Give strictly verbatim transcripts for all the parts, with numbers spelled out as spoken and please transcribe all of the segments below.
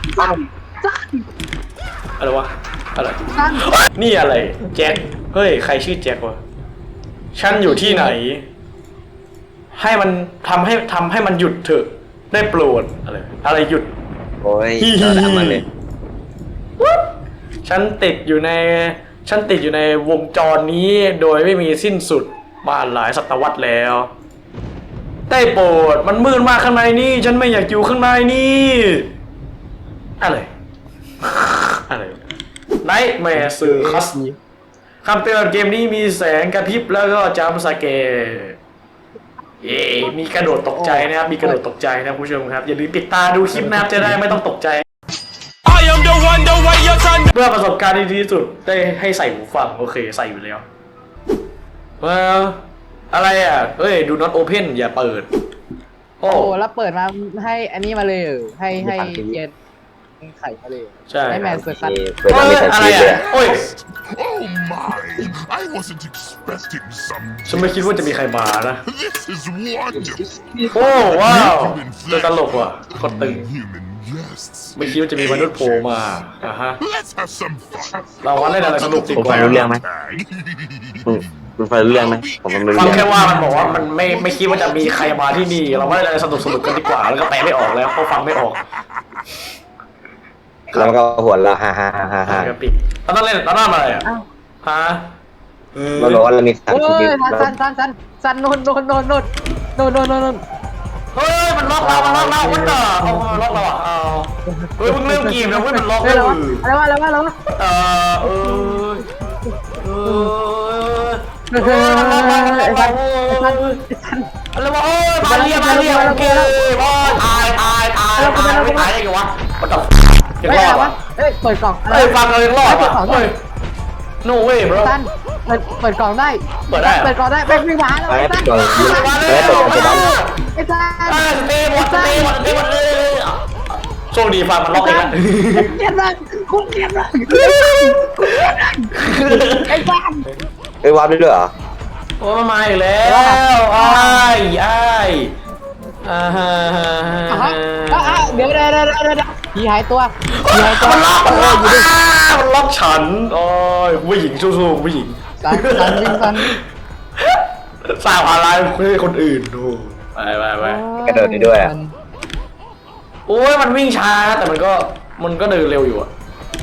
สั้นสั้นอะไรวะอะไรนี่อะไรแจ็คเฮ้ยใครชื่อแจ็ควะฉันอยู่ที่ไหนให้มันทำให้ทำให้มันหยุดเถอะได้โปรดอะไรอะไรหยุดโอ้ยเราด่ามันเลยฉันติดอยู่ในฉันติดอยู่ในวงจรนี้โดยไม่มีสิ้นสุดมาหลายศตวรรษแล้วได้โปรดมันมืดมากข้างในนี่ฉันไม่อยากอยู่ข้างในนี่อะไรอะไรไนท์แมร์ซื้อคัสคำเตือนเกมนี้มีแสงกระพริบแล้วก็จัมป์สแกร์เย้มีกระโดดตกใจนะครับมีกระโดดตกใจนะผู้ชมครับอย่าลืมปิดตาดูคลิปนะครับจะได้ไม่ต้องตกใจเพื่อประสบการณ์ที่ดีที่สุดได้ให้ใส่หูฟังโอเคใส่อยู่แล้วว้าวอะไรอ่ะเฮ้ย do not open อย่าเปิดโอ้แล้วเปิดมาให้อันนี้มาเลยให้ให้เย็นไข่มาเลยใช่ให้แมนเซอร์คัสอะไรอ่ะโอ้ย Oh my! I wasn't expecting some. ฉันไม่คิดว่าจะมีใครมานะ This is wonderful. โอ้ว้าวตัวตลกว่ะคนตึง Human guests. ไม่คิดว่าจะมีมนุษย์โผล่มาอ่ะฮะ Let's have some fun. เราวันเล่นอะไรสนุกดีผมกฟัว่างรู้เรื่องไหมคุณฟังรู้เรื่องไหมผมฟังรู้ฟังเรื่องแค่ว่ามันบอกว่ามันไม่ไม่คิดว่าจะมีใครมาที่นี่เราไม่ได้อะไรสนุกสนุกกันดีกว่าแล้วก็แปลไม่ออกแล้วเพราะฟังไม่ออกแล้วก็หัวเราฮ่าฮ่าฮ่าฮ่าปิดตอนนั้นเล่นตอนนั้นอะไรอ่ะฮะเราบอกว่าเรามีสามโอ้ชีวิยตสันสันสันสันโนนโนนโนนโนนโนนโนนโนนโนนเฮ้ยมันล็อกเรามันล็อกเราวัดต่อเอาล็อกเราอ่ะเอาเฮ้ยมึงเริ่มเกมแล้วเว้ยมันล็อกเฮ้ยเราอะไรวะอะไรวะอะไรวะเออเออเออเฮ้ยสันสันสันอะไรวะโอ้ยมาเรียมาเรียโอเคโอ้ยตายตายตายตายไม่ตายได้ไงวะมันต่อยังเฮ้ยรออะไรดวะเฮ้ยเปิดกล่องอะไรเฮ้ยฟังเรายังรอดว่ะเฮ้ย no way bro สันเปิดเปิดกล่องได้เปิดได้เปิดกล่องได้ไปวิ่งมาแล้วไปไอ้ปิสัดนก่อนแล้วเปิดก่อนจะดันไอ้สันเออสเตย์หมดสเตย์หมดสเตย์หมดเลยโชคดีฟังมันล็อกเองละเกลียดมากคุณเกลียดมากไอ้สันเอ้ยวาร์ปได้ด้วยเหรอโอ้มาใหม่แล้วอ้ายอ้ายอ่าฮะเดี๋ยวเดี๋ยวเดี๋ยวเดี๋ยวผีหายตัวผีหายตัวมันล็อกมันล็อกมันล็อกฉันโอ้ยผู้หญิงสู้ๆผู้หญิงสันสันวิ่งสันสร้างอะไรให้คนอื่นดูไปไปไปกระโดดได้ด้วยโอ้ยมันวิ่งช้าแต่มันก็มันก็เดินเร็วอยู่อะ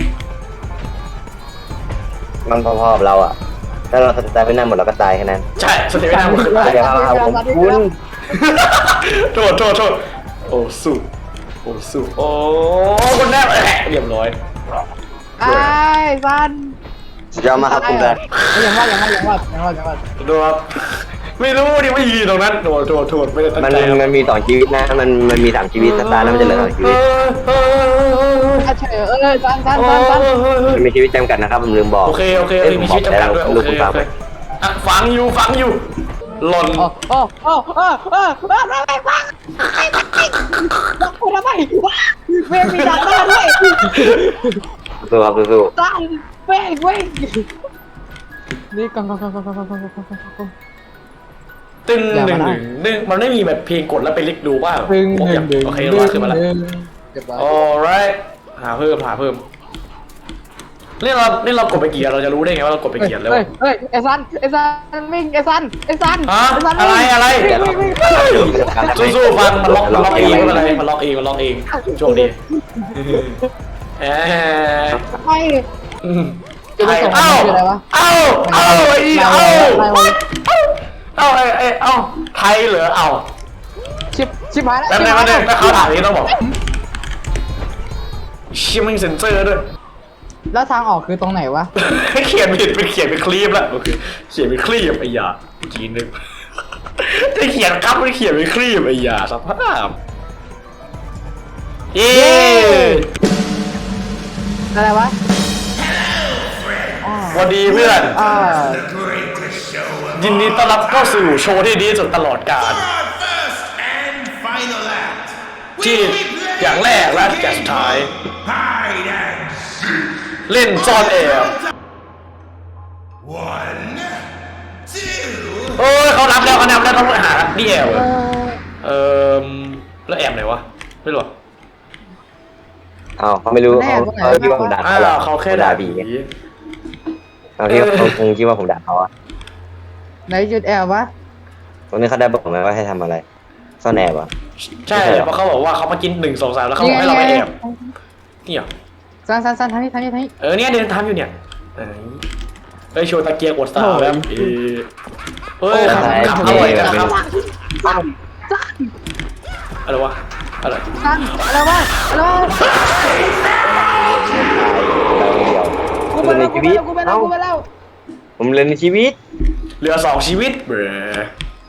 มันพอๆกับเราอ่ะถ้าเราสตาร์ทไม่นานหมดเราก็ตายแค่นั้นใช่สเตย์ไม่ได้หมดเดี๋ยวเอาผมคุณโทษโทษโทษโอ้สู้โอ้สู้โอ้คนแรกแหละเรียบร้อยไอ้สันสุดยอดมากครับคุณแดนอย่างว่าอย่างว่าอย่างว่าอย่างว่าอย่างว่าโดนไม่รู้ดิว่ายืนตรงนั้นโทษโทษโทษไม่ได้ตั้งมันใจมันมีสองชีวิตนะมันมันมีสามชีวิตสตาร์แล้วมันจะเหลือสองชีวิตถ้าเฉยเออสันสันสันสันมันมีชีวิตจำกัดนะครับผมลืมบอกโอเคโอเคมีชีวิตจำกัดด้วยโอเคโอเคอ่ะฟังอยู่ฟังอยู่หล่นโอ้โอ้โอ้โอ้โอ้โอ้ทำไมวะไอ้บักกิ้งบักกูทำไมวะเว้ยมีดักหน้าด้วยสู้ครับสู้สันเว้ยเว้ยนี่กองกองกองกองกองกองกองกองกองตึ้งหนึ่งหนึ่งหนึ่งมันไม่มีแบบเพลงกดแล้วไปลิกดูว่าดึงผมดึอยาง กดึงโอเคเราขึ้นมาแล้วเก็บไว้ alright หาเพิ่มหาเพิ่มนี่เรานี่เรากดไปกี่อันเราจะรู้ได้ไงว่าเรากดไปกี่อันแล้วเฮ้ยเฮ้ยไอ้ซันไอ้ซันวิ่งไอ้ซันไอ้ซันฮะไอ้ซันอะไรอะไรวิ่งวิ่งวิ่งสู้ๆฟังมันล็อกมันล็อกเองไม่เป็นไรมันล็อกเองมันล็อกเองโชคดีเอ๊ะไอ้ไอ้เอ้าเอ้าเอ้าไอ้เอ้าเอ้าไอ้ไอ้เอ้าไทยเหรอเอ้าชิบชิบหายแล้วแป๊บนึงแป๊บนึงถ้าเขาถามนี้ต้องบอกชิมิงเซนเซอร์ด้วยแล้วทางออกคือตรงไหนวะเขียนผิดไปเขียนเป็นคลิปแล้วโอเคเขียนเป็นคลิปไอ้ยาจีนนึงจะเขียนครับไม่เขียนเป็นคลิปไอ้ยาสภาพเย้อะไรวะสวัสดีเพื่อนอ่ายินดีต้อนรับเข้าสู่โชว์ที่ดีที่สุดตลอดกาลที่อย่างแรกและอย่างสุดท้ายเล่นซ่อนแอบโอ้ยเขานับแล้วเขานับแล้วต้องไปหานี่แอบเหรอเออแล้วแอบไหนวะไม่รู้อ้าวเขาไม่รู้เขาเขาคิดว่าผมด่าอ่าเขาหรอเขาแค่ด่าผีเขาคิดว่าเขาคงคิดว่าผมด่าเขาอะไหนจุดแอบวะตรงนี้เขาได้บอกไหมว่าให้ทำอะไรซ่อนแอบอะใช่เพราะเขาบอกว่าเขามากินหนึ่งสองสามแล้วเขาบอกให้เราไปแอบนี่เหรอซันซันซันทางนี้ทางนี้ทางนี้เออเนี่ยเดินทำอยู่เนี่ยเออเฮ้ยโชว์ตะเกียงอดสาวแบบเออเฮ้ยขับขับอร่อยนะครับอะไรวะอะไรซันอะไรวะอะไรวะเราเดียวกูไปในแล้วกูชีไปวิตแล้วกูไปแล้วกูไปแล้วผมเรียนในชีวิตเหลือสองชีวิตเบรอ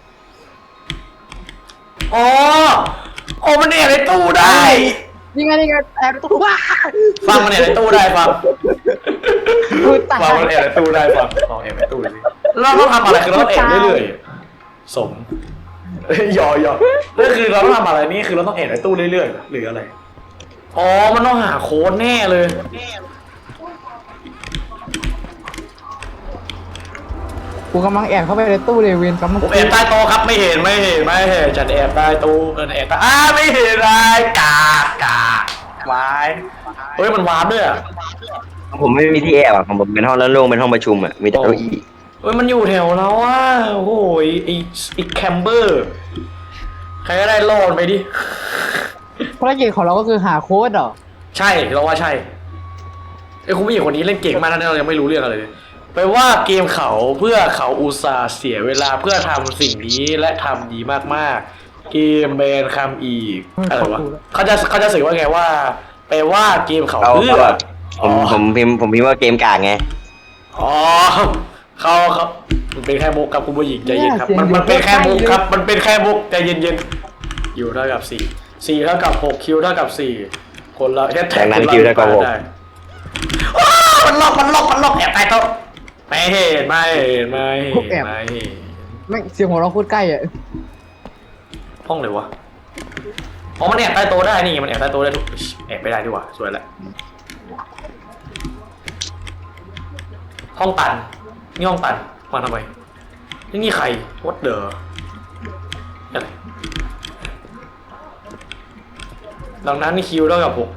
อ๋อโอ้มันเนี่ยในตู้ได้นี่ไงนี่ไงแอบตัวว้าฟังมันเนี่ยในตู้ได้ฟังกูตายฟังมันเนี่ยในตู้ได้ฟังลองแอบในตู้สิเราต้องทำอะไรคือเราต้องแอบเรื่อยๆสมเอ้ยหยอกหยอกนั่นคือเราต้องทำอะไรนี่คือเราต้องแอบในตู้เรื่อยๆหรืออะไรอ๋อมันต้องหาโค้ดแน่เลยกูกำลังแอบเข้าไปในตู้เลยเวนกำลังผมแอบใต้โต๊ะครับไม่เห็นไม่เห็นไม่เห็นฉันแอบใต้ตู้เออแอบใต้อ้าไม่เห็นอะไรกากกากวายเฮ้ยมันวาร์ปด้วยอ่ะผมไม่มีที่แอบอะของผมเป็นห้องโล่งๆเป็นห้องประชุมอะมีแต่เก้าอี้เฮ้ยมันอยู่แถวเราอ่ะโอ้โหไอ้ไอ้แคมเบอร์ใครก็ได้รอดไปดิภารกิจของเราก็คือหาโค้ดเหรอใช่เราว่าใช่ไอ้คุณผู้หญิงคนนี้เล่นเก่งมากนะเรายังไม่รู้เรื่องอะไรเลยไปว่าเกมเขาเพื่อเขาอุตส่าห์เสียเวลาเพื่อทำสิ่งนี้และทำดีมากๆเกมแบนคำอีกอะไรวะเขาจะเขาจะสื่อว่าไงว่าไปว่าเกมเขาเขาเพื่อเขาแบบผมผมพิมพ์ผมพิมพ์ว่าเกมกากไงอ๋อเขาเขามันเป็นแค่มุกครับคุณผู้หญิงใจเย็นครับมันมันเป็นแค่มุกครับมันเป็นแค่มุกใจเย็นๆอยู่เท่ากับสี่สี่เท่ากับหกคิวเท่ากับสี่คนละแค่แท็จากนั้นละคิวเท่ากับหกได้ว้าวมันล็อกมันล็อกมันล็อกแอบใต้โต๊ะไม่เห็นไม่เห็นไม่เห็นไม่เห็นไม่เสียงของเราโคตรใกล้อ่ะห้องเลยวะอ๋อมันแอบใต้โต๊ะได้นี่มันแอบใต้โต๊ะได้ทุกแอบไม่ได้ดีกว่าสวยแล้วห้องตันนี่ห้องตันมาทำไมนี่นี่ใคร what the อะไรดังนั้นนี่คิวเท่ากับหก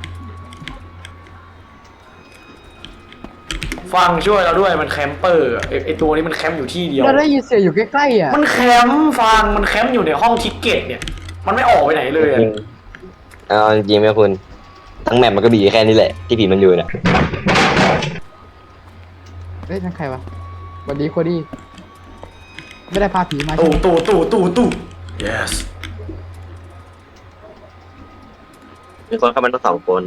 ฟังช่วยเราด้วยมันแคมเปอร์ไอไอตัวนี้มันแคมป์อยู่ที่เดียวเราได้ยินเสียงอยู่ใกล้ๆอ่ะมันแคมป์ฟังมันแคมป์อยู่ในห้องทิกเก็ตเนี่ยมันไม่ออกไปไหนเลยอะจริงเอาจริงไหมคุณทั้งแมปมันก็บีแค่นี้แหละที่ผีมันอยู่น่ะเฮ้ยนั่นใครวะสวัสดีโคดี้ไม่ได้พาผีมาใช่ตู้ไหมตู้ตู้ตู้ตู้ yes มีคนเข้ามาทั้งสองคน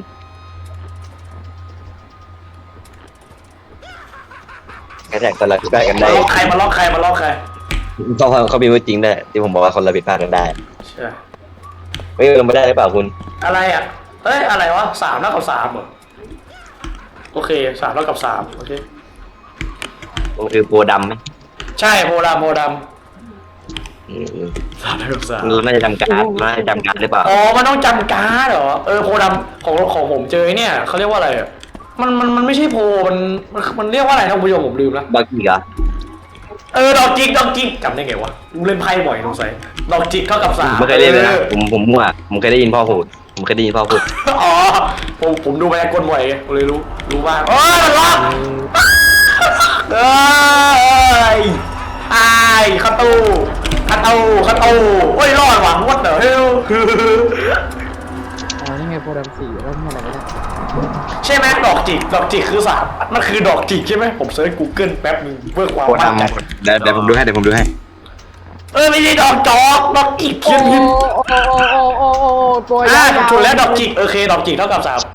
แค่แท็กคนละผิดพลาดกันมาได้ล็อกใครมาล็อกใครมาล็อกใครเขาเขามีว่าจริงได้ที่ผมบอกว่าคนละผิดพลาดกันได้ใช่ไม่ลงไม่ได้หรือเปล่าคุณอะไรอ่ะเฮ้ยอะไรวะสามเท่ากับสามเหรอโอเคสามเท่ากับสามโอเคมันคือโปรดำไหมใช่โพดำโพดอืมำสามเท่ากับสามเราน่าจะจำการเราน่าจะจำการหรือเปล่าอ๋อมันต้องจำการ์ดเหรอเออโพดำของของผมเจอไอ้เนี่ยเขาเรียกว่าอะไรอะมันมันมันไม่ใช่โพมันมันมันเรียกว่าอะไรนะคุณผู้ชมผมลืมแล้วบางทีเหรอเออดอกจิกดอกจิกจำได้ไงวะกูเล่นไพ่บ่อยสงสัยดอกจิกเท่ากับสามผมไม่เคยเล่นเลยนะผมผมมั่วผมเคยได้ยินพ่อพูดผมเคยได้ยินพ่อพูดอ๋อผมผมดูมายากลบ่อยไงผมเลยรู้รู้บ้างโอ้ยมันล็อกเอ้ยไอ้เข้าตู้เข้าตู้เข้าตู้โอ้ยรอดว่ะวัดเดอร์เฮลอ๋อนี่ไงโปรแกรมสี่แล้วนี่อะไรไม่ได้ใช่ไหมดอกจิกดอกจิกคือสามมันคือดอกจิกใช่ไหมผมเซิร์ช Google แป๊บนึงเพื่อความโปรมั่นใจดำเดี๋ยวเดี๋ยวผมดูให้เดี๋ยวผมดูให้เออไม่ใช่ดอกจอกดอกจิกโอ้เขียนโอ้ผิดโอ้โอ้โอ้โอ้โอ้ตัวอ่ายาวๆถูกแล้วดอกจิกโอเคดอกจิกเท่ากับสาม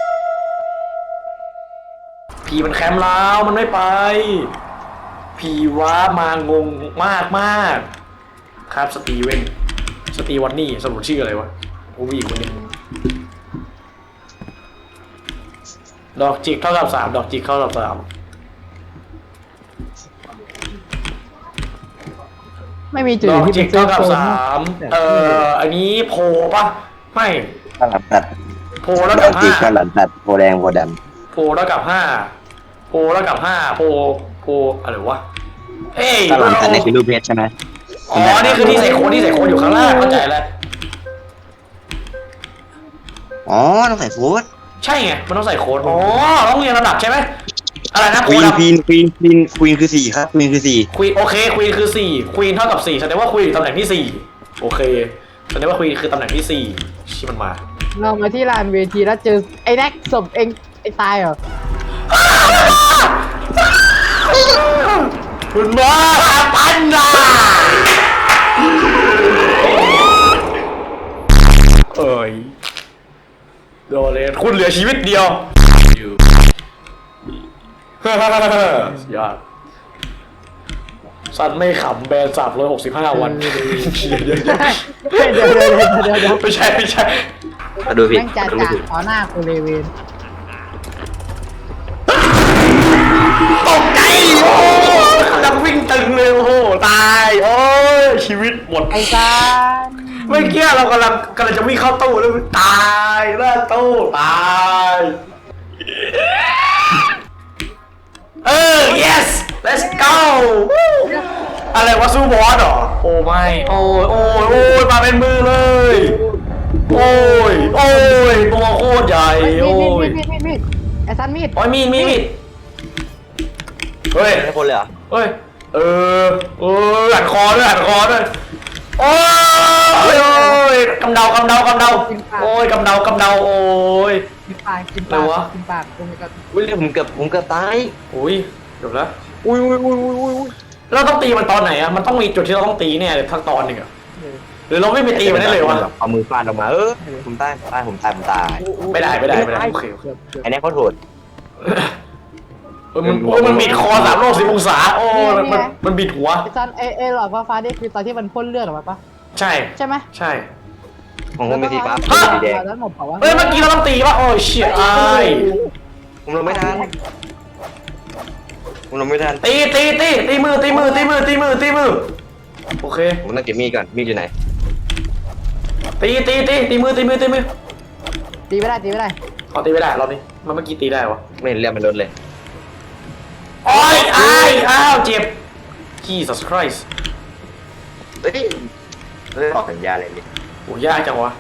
ผีมันแคมป์แล้วมันไม่ไปผีว้ามางงมากมากครับสตีเวนสตีวันนี่สรุปชื่ออะไรวะโอ้วีคนนี้ดอกจิกเท่ากับสามดอกจิกเท่ากับสามไม่มีจุดดอกที่จิเป็กนเซเท่าฟกับโซนสามเอ่ออันนี้โพป่ะไม่ข้าวหลามตัดโพแล้วดกัอบ กจีห้าข้าวหลามตัดโพแดงโพดโพแล้วกับห้าโพแล้วกับห้าโพโพอะไรวะเอ้ยำข้าวหลามตัดในคือรูปเพชรใช่ไหมอ๋อนี่คือที่ใส่โค้ดที่ใส่โค้ดอยู่ข้างล่างเข้าใจแล้วอ๋อต้องใส่ฟูดใช่ไงมันต้องใส่โค้ดอ๋อต้องเรียนระดับใช่ไหมอะไรนะควีโค้ดนควีนควีนควีนควีนคือสี่ครับควีนคือสี่ควีนโอเคควีนคือสี่ควีนเท่ากับสี่แสดงว่าควีนอยู่ตำแหน่งที่สี่โอเคแสดงว่าควีนคือตำแหน่งที่สี่ชิมันมาเรามาที่ลานเวทีแล้วเจอไอ้แน็กศพเองไอ้ตายเหรอคุณมาปันนาเอ้ยโดนเลยคุณเหลือชีวิตเดียวยอดสัตว์ไม่ขำแบนสามร้อยหกสิบห้าวันเดี๋ยวเดี๋ยวเดี๋ยวเดี๋ยวเดี๋ยวเดี๋ยวเดี๋ยวเดี๋ยวไม่ใช่ไม่ใช่มาดูผิดแม่งจ่าดูจ่าผิดต่อหน้ากูเลยเวนตกใจโอ้กำลังวิ่งตึงเลยโอ้โหตายโอ้ยชีวิตหมดไอ้ซานเมื่อกี้เรากำลังกำลังจะวิ่งเข้าตู้แล้วตายหน้าตู้ตายเออ yes let's go อะไรวะสู้บอสเหรอโอ้ไม่โอ้ยโอ้ยโอ้ยมาเป็นมือเลยโอ้ยโอ้ยตัวโคตรใหญ่มีโอ้ดมียดมีดมีดมีดไอ้ซันมีดโอ้ยมีดมีดมีดเฮ้ยไม่คนเลยเหรอเฮ้ยเออเออหันคอด้วยหันคอด้วยโอ้ยโอ้ยกำเดากำเดากำเดาโอ้ยกำเดากำเดาโอ้ยกินปากกินอะไรปากวะกินปากตรงนี้ก็อุ้ยผมเกือบผมเกือบตายอุ้ยจบแล้วอุ้ยอุ้ยอุ้ยอุ้ยอุ้ยเราต้องตีมันตอนไหนอะมันต้องมีจุดที่เราต้องตีแน่เลยทั้งตอนหนึ่งอะหรือเราไม่ไปตีมันได้เลยวะเอามือฟาดออกมาเออผมตายตายผมตายผมตายไม่ได้ไม่ได้ไม่ได้โอเคโอเคเกือบเกือบไอ้แน็กเขาโหดเออมันโอ้ยมันบิดคอสามโลกสิบองศาโอ้ยมันมันมันบิดหัวไอ้ซันไอ้ไอ้หลอดฟ้าๆนี่คือตอนที่มันพ่นเลือดออกมาปะใช่ใช่ไหมใช่ของผมเป็นสีฟ้าฮะสีแดงแล้วหมดเปล่าวะเอ้ยเมื่อกี้เราต้องตีปะโอ้ยเชี่ยไอ้ผมลงไม่ทันผมลงไม่ทันตีตีตีตีมือตีมือตีมือตีมือตีมือโอเคผมต้องเก็บมีดก่อนมีดอยู่ไหนตีตีตีตีมือตีมือตีมือตีไม่ได้ตีไม่ได้เอาตีไม่ได้รอบนี้มันเมื่อกี้ตีได้วะไม่เห็นเลือดมันลดเลยโอ้ยอ้ายอ้าวเจ็บ Jesus Christ เฮ้ยเฮ้ยสัญญาอะไรนี่โอ้ยากจังวะ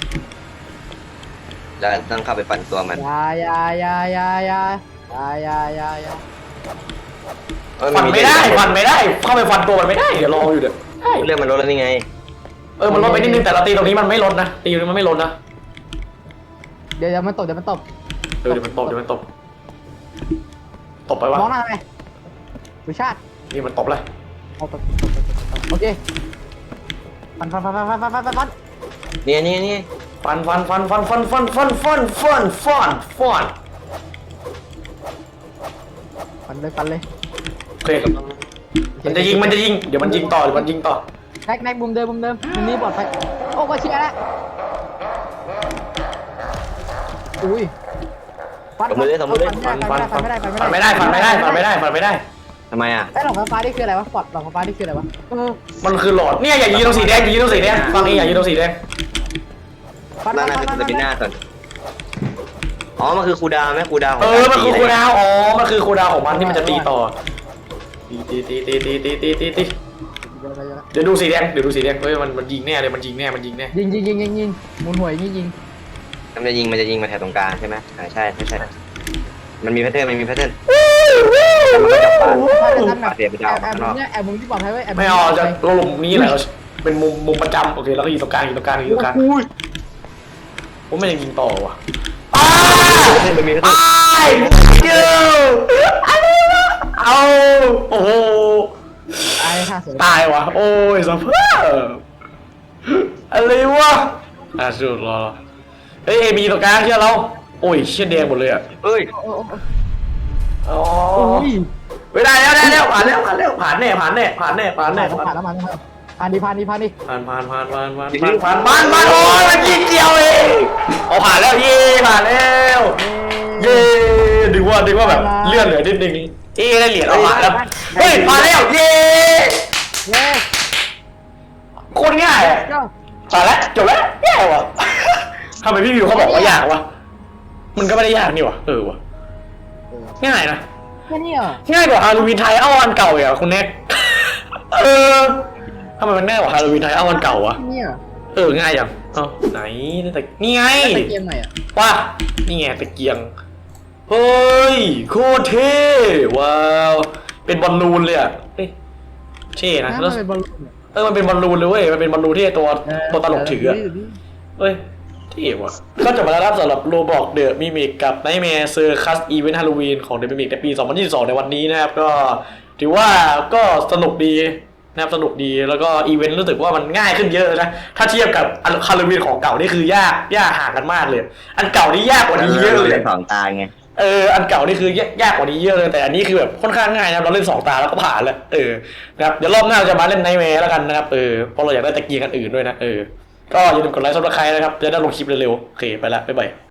แล้วต้องเข้าไปปั่นตัวมันอยาอยาอยาอยาอยาอยาอยาอยาเอ้ยฟันมีไม่ได้ฟันไม่ได้ เข้าไปฟันตัวมันไม่ได้เดี๋ยวรออยู่เดี๋ยวใช่เลือดมันลดแล้วนี่ไงเออมันลดไปนิดนึงแต่เราตีตรงนี้มันไม่ลดนะตีตรงนี้มันไม่ลดนะเดี๋ยวเดี๋ยวมันตบเดี๋ยวมันตบเออเดี๋ยวมันตบเดี๋ยวมันตบตบไปวะมองหน้าทำไมวิชาตินี่มันตบเลยเอาตบตบตบตบตบโอเคฟันฟันฟันฟันฟันฟันฟันฟันฟันเนี่ยเนี่ยเนี่ยฟันฟันฟันฟันฟันฟันฟันฟันฟันฟันฟันฟันเลยฟันเลยโอเคมันจะยิงมันจะยิงเดี๋ยวมันยิงต่อเดี๋ยวมันยิงต่อแน็กแน็กมุมเดิมมุมเดิมมุมนี้ปลอดภัยโอ้ก็เชียร์แล้วอุ้ยฟันสมมติเลยสมมติเลยฟันฟันไม่ฟันได้ฟัฟันนไม่ได้ฟันไม่ได้ฟันไม่ได้ฟันไม่ได้ฟันไม่ได้ทำไมอ่ะไอ้หลอกฟ้านี่คืออะไรวะปลอดหลอกฟ้านี่คืออะไรวะเออมันคือหลอดเนี่ยอย่ายิงตรงสีแดงอย่ายิงตรงสีแดงฟังเองอย่ายิงตรงสีแดงฟันน่าฟันน่าฟันจะเป็นหน้าก่อนอ๋อมันคือครูดาวไหมครูดาวขงเออมันคือตีคูลดาวน์อ๋อมันคือคูลดาวน์ของมันที่มันจะตีต่อตีตีตีตีตีตีตีตีตีเดี๋ยวดูสีแดงเดี๋ยวดูสีแดงเฮ้ยมันมันยิงแน่เลยมันยิงแน่มันยิงแน่ยิงยิงยิงยิงยิงหมุนหวยยิงยิงมันจะยิงมันจะยิงมาแถวตรงกลางใช่ไหมอ่าใช่ใช่ใช่มันมีแพทเทิร์นมันมีแพทเทิร์นแล้วมันก็จับปลาถ้าจะทำแบบเสียไปดาวแอบมุมเนี้ยแอบมุมที่ปลอดภัยไว้แอบไม่เอาจะเราหลุมนี้แหละเราเป็นมุมมุมประจำโอเคแล้วก็อยู่ตรงกลางอยู่ตรงกลางอยู่ตรงกลางผมไม่ยังยิงต่อว่ะอ้ามันมีแพทเทิร์นไอ้เจ้าเอาโอ้โหไอ้ท่าสวยตายว่ะโอ้ยสภาพอะไรวะอ่ะสุดรอเฮ้ยเอบีตรงกลางเชื่อเราโอ้ยเชี่ยแดงหมดเลยอ่ะเอ้ยโอ้โอ้อ๋อโอ้ยไม่ได้แล้วได้แล้วผ่านแล้วผ่านแล้วผ่านแน่ผ่านแน่ผ่านแน่ผ่านแน่ผ่านผ่านแล้วผ่านแล้วผ่านดีผ่านดีผ่านดีผ่านผ่านผ่านผ่านผ่านผ่านผ่านผ่านผ่านโอ้ยมันยิงเดียวเองเอาผ่านแล้วเย่ผ่านแล้วเย่ดึงว่าดึงว่าแบบเลื่อนเหลือนิดนึงเอ๊ได้เหรียญเอาผ่านแล้วเฮ้ยผ่านแล้วเย่เย้โคตรง่ายอ่ะก็ผ่านแล้วจบแล้วแย่ว่ะทำไมพี่วิวเขาบอกว่ายากวะมันก็ไม่ได้ยากนี่วะเออวะง่ายนะแค่นี้เหรอง่ายกว่าฮาโลวีนไทยเอาวันเก่าอย่างคุณแน็กเออทำไมมันง่ายกว่าฮาโลวีนไทยเอาวันเก่า วะแค่นี้เหรอเออง่ายจังเอ้าไหนแต่นี่ไงตะเกียงใหม่อ่ะว่านี่ไงตะเกียงเฮ้ยโคตรเท่ว้าวเป็นบอลลูนเลยอ่ะเฮ้ยเท่นะน้ำแล้วมันเป็นบอลลูนอะเออมันเป็นบอลลูนเลยเว้ยมันเป็นบอลลูนที่ตัวเออตัวตลกถืออะเดี๋ยวดิเฮ้ยเท่ว่ะก็จบมาแล้วครับสำหรับโรบอกเดอะมิมิกกับไนท์แมร์เซอร์คัสอีเวนต์ฮาโลวีนของเดอะมิมิกในปี สองพันยี่สิบสอง ในวันนี้นะครับก็ถือว่าก็สนุกดีนะครับสนุกดีแล้วก็อีเวนต์รู้สึกว่ามันง่ายขึ้นเยอะนะถ้าเทียบกับฮาโลวีนของเก่านี่คือยากยากห่างกันมากเลย อันเก่านี่ยากกว่านี้เยอะเลยเล่นสองตาไงเอออันเก่านี่คือยากกว่านี้เยอะเลยแต่อันนี้คือแบบค่อนข้างง่ายนะเราเล่นสองตาแล้วก็ผ่านแล้วเออนะครับเดี๋ยวรอบหน้าเราจะมาเล่นไนท์แมร์แล้วกันนะครับเออเพราะเราอยากได้ตะเกียงกันอื่นด้วยนะเออก็อย่าลืมกดไลค์ซับสไครต์นะครับจะได้ลงคลิปเร็วๆโอเคไปละบ๊ายบาย